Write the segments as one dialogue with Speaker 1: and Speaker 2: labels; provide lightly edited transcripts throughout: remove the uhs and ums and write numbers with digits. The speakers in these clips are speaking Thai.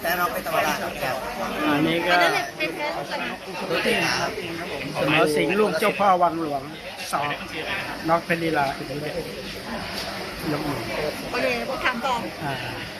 Speaker 1: แต่เราไม่ธรรมดาครับ
Speaker 2: อันนี้ก็
Speaker 3: อันนั้นเป็นแพ้ลูกกันนะ
Speaker 1: ตัวตีหนาครับ
Speaker 2: เสมอสิงห์ลูกเจ้าพ่อวังหลวงสองน็อกเพลีลาอีกเลยยกมือ
Speaker 3: โอเคผมถามต่อ
Speaker 2: อ่า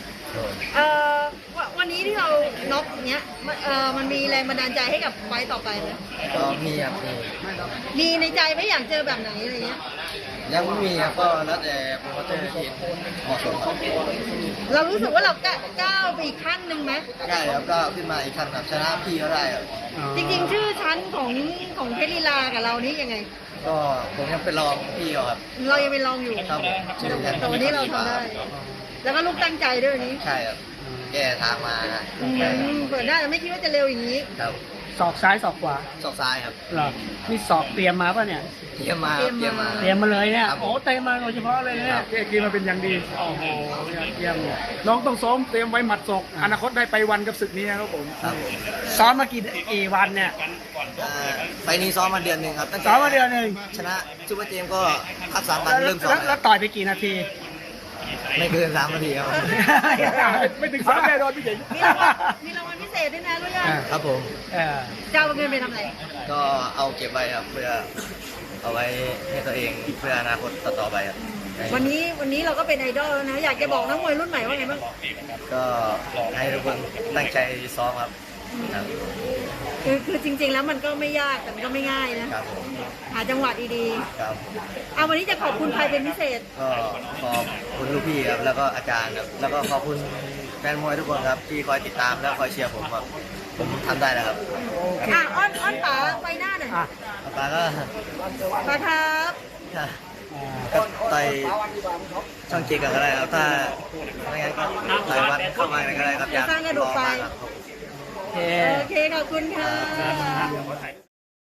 Speaker 3: วันนี้ที่เราน็อกเนี้ยมันมีแรงบันดาลใจให้กับไฟต์ต่อไปไหม
Speaker 1: ก็มีครับมี
Speaker 3: มีในใจไหมอยากเจอแบบไหนอะไรเงี้ย
Speaker 1: ยังไม่มีครับก็แล้วแต่โปรโมเตอร์ที่เหมาะสมครับ
Speaker 3: เรารู้สึกว่าเราก้าวไปอีกขั้นหนึ่งไหม
Speaker 1: ได้ครับก็ขึ้นมาอีกขั้นครับชนะพี่ก็ได้ครับ
Speaker 3: จริงๆชื่อชั้นของเพชรลีลากับเรานี่ยังไง
Speaker 1: ก็ผมยังเป็นรองพี่เขาครับ
Speaker 3: เรายังเป็นรองอยู่
Speaker 1: ครับชื่อ
Speaker 3: แต่วันนี้เราทำได้ แล้วก็ลูกตั้งใจด้วยวันนี้
Speaker 1: ใช่ครับแก้ทางมา
Speaker 3: เปิดได้แต่ไม่คิดว่าจะเร็วอย่างนี้
Speaker 1: ครับ
Speaker 2: ศอกซ้ายศอกขวา
Speaker 1: ศอกซ้ายครับ
Speaker 2: เหรอนี่ศอกเตรียมมาป่ะเนี่ย
Speaker 1: เตรียมมา
Speaker 3: เตรียมมา
Speaker 2: เตรียมมาเลยเนี่ย
Speaker 1: ครับ
Speaker 2: โอ้เตรียมมาโดยเฉพาะเลยเนี่ยเตรียมมาเป็นอย่างดีโอ้โหเยี่ยมเลยน้องต้องซ้อมเตรียมไว้หมัดศอกอนาคตได้ไปวันกับศึกนี้นะครับผม
Speaker 1: ครับ
Speaker 2: ซ้อมมากี่วันเนี่ย
Speaker 1: ไฟล์นี้ซ้อมมาเดือนหนึ่งครับตั้งแต่
Speaker 2: ซ้อมมาเดือนหนึ่ง
Speaker 1: ชนะซูเปอร์เจมส์ก็พัก3 วันเริ่มซ้อม
Speaker 2: แล้วต่อยไปกี่นาที
Speaker 1: ไม่เกิน3 นาทีครับ
Speaker 2: ไม่ถึง3แน่นอนพี่เจ๋ง
Speaker 3: มีรางวัลพิเศษด้วยนะรู้ยัง
Speaker 1: ครับผม
Speaker 3: จะเอาเงินไปทำอะไร
Speaker 1: ก็เอาเก็บไว้ครับเพื่อเอาไว้ให้ตัวเองเพื่ออนาคตต่อไปครับ
Speaker 3: วันนี้เราก็เป็นไอดอลแล้วนะ อยากจะบอกนักมวยรุ่นใหม่ว่าไงบ้าง
Speaker 1: ก็ให้ทุกคนตั้งใจซ้อมครับครับ
Speaker 3: คือจริง ๆ แล้วมันก็ไม่ยากแต่มันก็ไม่ง่ายนะครับ
Speaker 1: ผม
Speaker 3: หาจังหวะดี
Speaker 1: ครับ
Speaker 3: ๆเอาวันนี้จะขอบคุณใครเป็นพิเศษ
Speaker 1: ก็ขอบคุณลูกพี่ครับแล้วก็อาจารย์ครับแล้วก็ขอบคุณแฟนมวยทุกคนครับที่คอยติดตามและคอยเชียร์ผมครับผมทำได้แล้วครับ
Speaker 3: อ้อนป๋าไปหน้าหน่อย
Speaker 2: อ่ะ
Speaker 1: ปาก็
Speaker 3: ป๋าครับ
Speaker 1: ก็ต่อยช่องเจ็ดกันก็ได้ครับถ้าไม่งั้นก็ต่อยวัดเข้ามาก็ได้ครับอยาก
Speaker 3: สร้างกระดูกไป
Speaker 1: ลองมาครับ
Speaker 2: โอเค
Speaker 3: โอเค ขอบคุณค่ะ